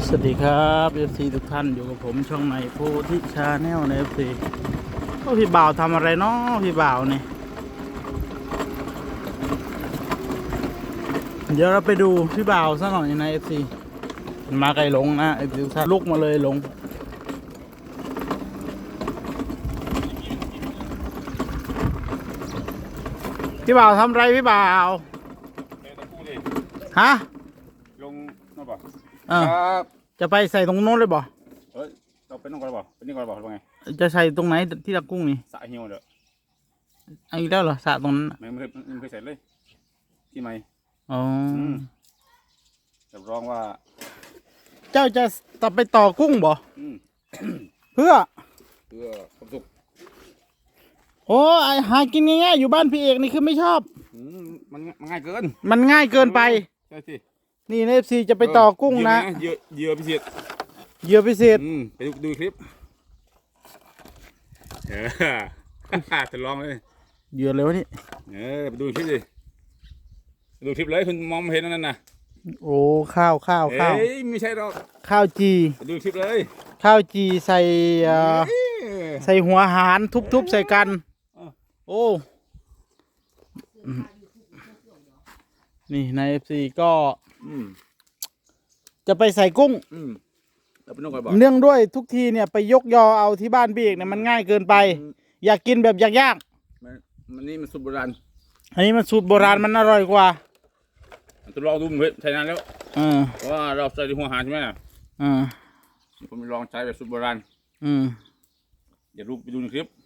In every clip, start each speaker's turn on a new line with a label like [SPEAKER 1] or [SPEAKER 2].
[SPEAKER 1] สวัสดีครับ FC ทุกท่านอยู่กับผมช่องในโพธิชาแนลใน FC ก็พี่บ่าวทำอะไรเนาะพี่บ่าวเนี่ยเดี๋ยวเราไปดูพี่บ่าวซะหน่อยใน FC มาไกลลงนะ FC ทุกท่านลุกมาเลยลงพี่บ่าวทำอะไรพี่บ่าวฮะ
[SPEAKER 2] ลงนั่นป่ะ
[SPEAKER 1] จะไปใส่ตรงโน้นเลยบ่
[SPEAKER 2] เราเป็นน้องก่อนป่ะเป็นนี่ก่อนป่ะหรือไง
[SPEAKER 1] จะใส่ตรงไหนที่ตะกุ้งนี่
[SPEAKER 2] สระเหี่ยวเด้อ
[SPEAKER 1] อีกแล้วเหรอสระตรงนั้น
[SPEAKER 2] ไม่เคยใส่เลยที่ไหม
[SPEAKER 1] อ๋อ
[SPEAKER 2] รับรองว่า
[SPEAKER 1] เจ้าจะไปต่อกุ้งบ่เพื่อ
[SPEAKER 2] ความสุข
[SPEAKER 1] โอ้หากินง่ายๆอยู่บ้านพี่เอกนี่คือไม่ชอบ
[SPEAKER 2] มันง่ายเกิน
[SPEAKER 1] มันง่ายเกินไป
[SPEAKER 2] ใช่สิ
[SPEAKER 1] นี่เอฟซีจะไปต่อกุ้งนะ
[SPEAKER 2] เหยื่อพิเศษไปดูคลิปจะลองเลย
[SPEAKER 1] เหยื่อเลยวะนี่
[SPEAKER 2] ไปดูคลิปดิดูคลิปเลยคุณมองไม่เห็นนั่นน่ะ
[SPEAKER 1] โอ้ข้าว
[SPEAKER 2] ไม่ใช่หรอก
[SPEAKER 1] ข้าวจี
[SPEAKER 2] ดูคลิปเลย
[SPEAKER 1] ข้าวจีใส่หัวหารทุบใส่กันโอ้นี่ในเอฟซีก็จะไปใส่กุ้งเนื่องด้วยทุกทีเนี่ยไปยกยอเอาที่บ้านพี่เอกเนี่ยมันง่ายเกินไปอยากกินแบบยาก
[SPEAKER 2] มันนี่มันสูตรโบราณ
[SPEAKER 1] อันนี้มันสูตรโบราณมันอร่อยกว่า
[SPEAKER 2] จะลองดูใช้นานแล้วเพราะว่าเราใส่หัวหารใช่ไหมผมลองใช้แบบสูตรโบราณเดี๋ยวไปดูในคลิป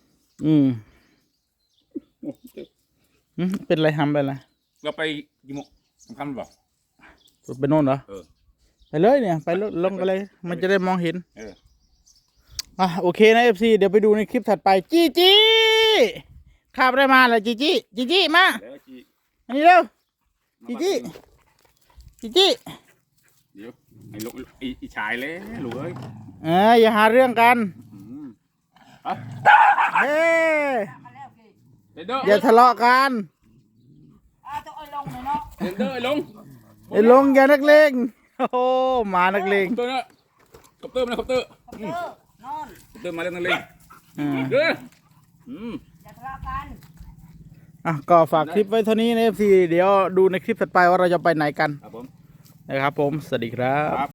[SPEAKER 1] เป็นไรทำไปอะไร
[SPEAKER 2] เราไปกี่โมงสำคัญหรือเปล่า
[SPEAKER 1] ไปโน่นเหรอไปเลยเนี่ยไปลงไปเลยมันจะได้มองเห็นโอเคนะ FC เดี๋ยวไปดูในคลิปถัดไปจี้ข้าบได้มาแล้วจี้มาอันนี้เร็วจี้
[SPEAKER 2] เดี๋ยวไอ้ลูกไอ้ชายเลยลูกเอ้ย
[SPEAKER 1] อย่าหาเรื่องกันเฮ้อย่าทะเลาะกัน
[SPEAKER 2] ไอ้ลง
[SPEAKER 1] อย่านักเลงโอ้มานักเลง
[SPEAKER 2] คอปเตอร์มาคอปเตอร์มาเล่นนักเลง
[SPEAKER 1] อย่าทะเลาะกันก็ฝากคลิปไว้เท่านี้นะ FC เดี๋ยวดูในคลิปถัดไปว่าเราจะไปไหนกันนะครับผมสวัสดีครับ